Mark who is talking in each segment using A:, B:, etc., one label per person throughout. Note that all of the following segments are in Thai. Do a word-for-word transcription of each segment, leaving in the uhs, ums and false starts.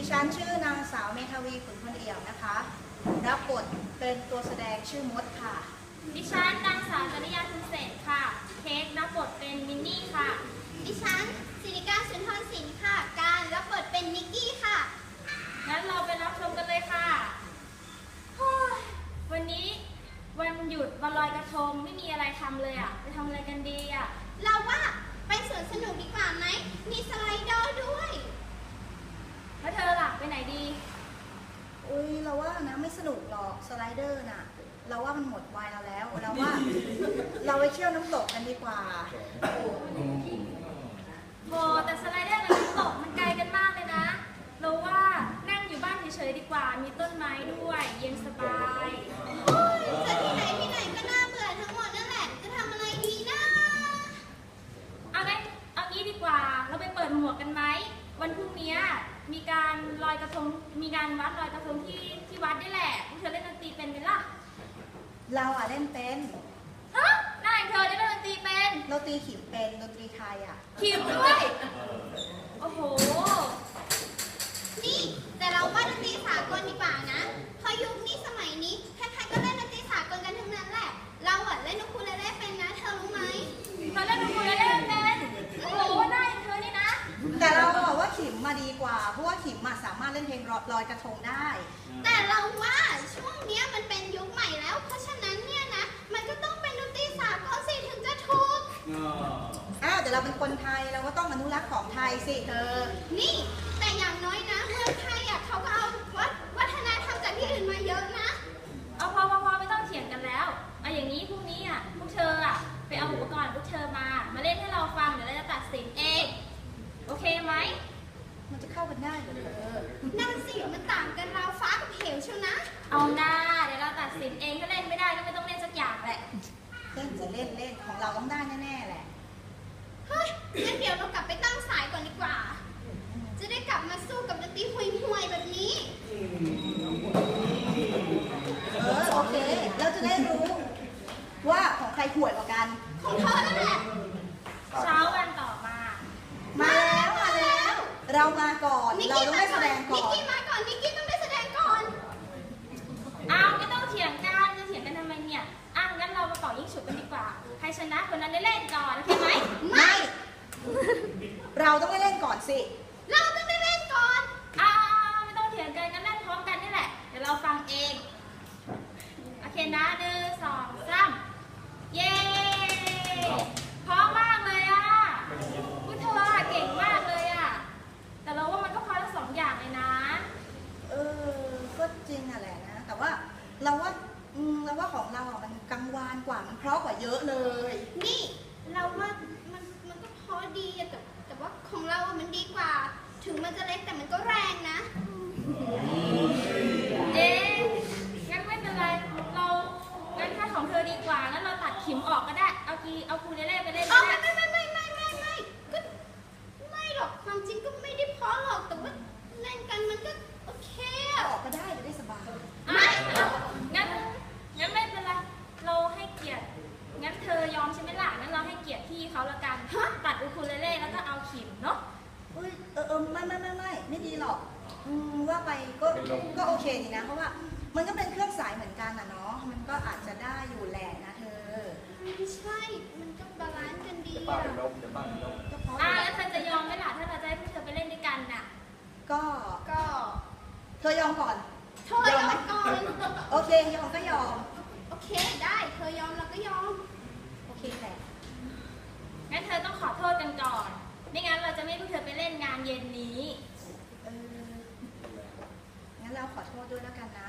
A: ดิฉันชื่อนางสาวเมธาวีขุนพลเอี่ยมนะคะรับบทเป็นตัวแสดงชื่อมดค่ะ
B: ดิฉันนางสาวจริยาทุนเศษค่ะเค้กรับบทเป็นมินนี่ค่ะ
C: ดิฉันศิริการสุนทรศิลป์ค่ะการรับบทเป็นนิกกี้ค่ะ
B: งั้นเราไปรับชมกันเลยค่ะวันนี้วันหยุดวันลอยกระทงไม่มีอะไรทำเลยอ่ะไปทำอะไรกันดีอ่ะ
C: เราว่าไปสวนสนุกดีกว่าไหมมีสไลเดอร์ด้วย
B: แล้วเธอล่ะไปไหนดี
A: อุ้ยเราว่านะไม่สนุกหรอกสไลเดอร์น่ะเราว่ามันหมดวัยเราแล้วเราว่าเราไปเที่ยวน้ำตกกันดีกว่า
B: โหแต่สไลเดอร์กับน้ำตกมันไกลกันมากเลยนะเราว่านั่งอยู่บ้านเฉยๆดีกว่ามีต้นไม้ด้วยเย็นสบาย
C: จะที่ไหนที่ไหนก็น่าเบื่อทั้งหมดนั่นแหละจะทำอะไรดีนะ
B: เอาไงเอางี้ดีกว่าเราไปเปิดหมวกกันไหมวันพรุ่งนี้มีการลอยกระทงมีงานวัดลอยกระทงที่ที่วัดนี่แหละพวกเธอเล่นดนตรีเป็นไหมล่ะ
A: เราอ่ะเล่นเป็น
B: ฮะนายเธอเล่นดนตรีเป็น
A: เราตีขิมเป็นดนตรีไทยอ่ะ
B: ขิมด้วยโอ้โห
C: นี่แต่เราว่าดนตรีสากลดีกว่านะพอยุคนี้สมัยนี้ใครๆก็เล่นดนตรีสากลกันทั้งนั้นแหละเราอ่ะเล่นนูคูเลเล่เป็นนะเธอรู้ไหม
B: เธอเล่นนูคูเลเล่เป็นโอ้โหได้เธอนี่นะ
A: แต่เราบอกว่าขิมมาดีกว่าเพราะว่าขิมมาสามารถเล่นเพลงลอยกระทงได้
C: แต่เราว่าช่วงนี้มันเป็นยุคใหม่แล้วเพราะฉะนั้นเนี่ยนะมันก็ต้องเป็นดนตรีสากลสิถึงจะถูก
A: อ้าวแต่เราเป็นคนไทยเราก็ต้องอนุรักษ์ของไทยสิเธอ
C: นี่แต่อย่างน้อยนะเมืองไทยอ่ะเขาก็เอาวัฒวัฒนธรรมจากที่อื่นมาเยอะนะ
B: เอาพอพอพอไม่ต้องเถียงกันแล้วเอาอย่างนี้พรุ่งนี้อ่ะพวกเธออ่ะไปเอาอุปกรณ์พวกเธอมามาเล่นให้เราฟังเดี๋ยวเราจะตัดสินเองโอเคไหม
A: มันจะเข้ากันได้เหรอเธอ
C: นั่นสิมันต่างกันเราฟ้ากับเหวเชียวนะ
B: เอาหน้าเดี๋ยวเราตัดสินเองถ้าเล่นไม่ได้ก็ไม่ต้องเล่นสักอย่างแหละ
A: เล่นจะเล่นเล่นของเราต้องได้แน่ๆแหละ
C: เฮ้ยงั้นเดี๋ยวเรากลับไปตั้งสายก่อนดีกว่าจะได้กลับมาสู้กับดนตรีห่วยๆแบบนี้
A: เออโอเคเราจะได้รู้ว่าของใครห่วยกว่ากัน
C: ของเธอนั่นแหละ
B: เช้าวันต่อมา
A: มาแล้วมาแล้วเรามาก่อนเราต้องได้แสดงก่อน
C: นิกกี้มาก่อนนิกกี้ต้องได้แสดงก่อน
B: อ้าวไม่ต้องเถียงกันจะเถียงกันทำไมเนี่ยอ้าวงั้นเรามาเป่ายิงฉุบกันดีกว่าใครชนะคนนั้นได้เล่นก่อนโอเคไหม
A: ไม่เราต้องได้เล่นก่อนสิ
C: เราต้องได้เล่นก่อน
B: อ้าวไม่ต้องเถียงกันงั้นเล่นพร้อมกันนี่แหละเดี๋ยวเราฟังเองโอเคนะหนึ่งสองสามเย้พร้อมมากเลยอ่ะพูดเธอเก่งมากเลยอ่ะแต่เราว่ามันก็พอทั้งสองอย่างเลยนะ
A: เออก็จริงอ่ะแหละนะแต่ว่าเราว่าอืมเราว่าของเราอ่ะมันกังวานกว่ามันเพราะกว่าเยอะเลย
C: นี่เราว่ามันมันก็พอดีแต่แต่ว่าของเรามันดีกว่าถึงมันจะเล็กแต่มันก็แรงนะ
B: เอ๊ะงั้นไม่เป็นไรเรางั้นถ้าของเธอดีกว่างั้นเราตัดขิมออกก็ได้เอากีเอาคูเลเล่ไปเล่น
C: อ๋อไม่ไม่ไม่ไม่ไม่ไม่ไม่ก็ไม่หรอกความจริงก็ไม่ได้เพราะหรอกแต่ว่าเล่นกันมันก็โอเค
A: ออกก็ได้จะได้สบาย
B: ไม่งั้นงั้นไม่เป็นไรเราให้เกียรติงั้นเธอยอมใช่ไหมล่ะงั้นเราให้เกียรติพี่เขาละกันตัดอูคูเลเล่แล้วก็เอาขิมเนาะ
A: เออเออเออไม่ไม่ไม่ไม่ไม่ดีหรอกอืมว่าไปก็ก็โอเคดีนะเพราะว่ามันก็เป็นเครื่องสายเหมือนกันอ่ะเนาะมันก็อาจจะได้อยู่แหละนะเธอ
C: ไม่ใช่มันก็บาลานซ์กันดี
D: อ่ะจะป้าเป็นลมจะป้าเป็นลม
B: อ่ะแล้วเธอจะยอมไหมล่ะถ้าเราจะให้พวกเธอไปเล่นด้วยกันน่ะ
A: ก็
C: ก็
A: เธอยอมก่อน
C: เธอยอมก่อน
A: โอเคยอมก็ยอม
C: โอเคได้เธอยอมเราก็ยอม
A: โอเคแหละ
B: งั้นเธอต้องขอโทษกันก่อนไม่งั้นเราจะไม่ให้พวกเธอไปเล่นงานเย็นนี้
A: เอองั้นเราขอโทษด้วยแล้วกันนะ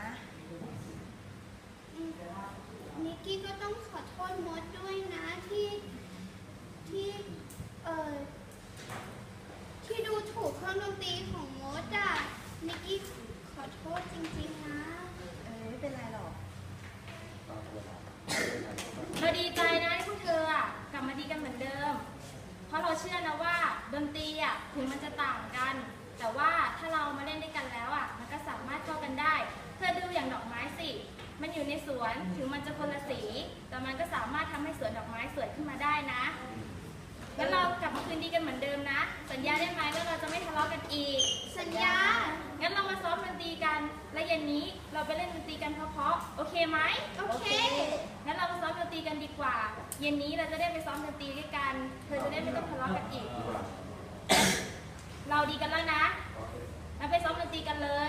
C: นิกกี้ก็ต้องขอโทษมดด้วยนะที่ที่เออที่ดูถูกเครื่องดนตรีของมดอ่ะนิกกี้ขอโทษจริงๆนะ
A: เออไม่เป็นไรหรอก
B: เราดีใจนะที่พวกเธออ่ะกลับมาดีกันเหมือนเดิมเพราะเราเชื่อนะว่าดนตรีอ่ะถึงมันจะต่างกันแต่ว่าถ้าเรามาเล่นด้วยกันแล้วอ่ะมันก็สามารถเข้ากันได้เธอดูอย่างดอกไม้สิมันอยู่ในสวนถึงมันจะคนละสีแต่มันก็สามารถทำให้สวนดอกไม้สวยขึ้นมาได้นะงั้นเรากลับมาคืนดีกันเหมือนเดิมนะสัญญาได้ไหมว่าเราจะไม่ทะเลาะกันอีก
C: สัญญา
B: งั้นนนี้เราไปเล่นดนตรีกันเพราะๆโอเคไหม
C: โอเค
B: งั้นเราไปซ้อมดนตรีกันดีกว่า เย็นนี้เราจะได้ไปซ้อมดนตรีด้วยกัน เธอจะได้ไม่ต้องทะเลาะกันอีก เราดีกันแล้วนะเราไปซ้อมดนตรีกันเลย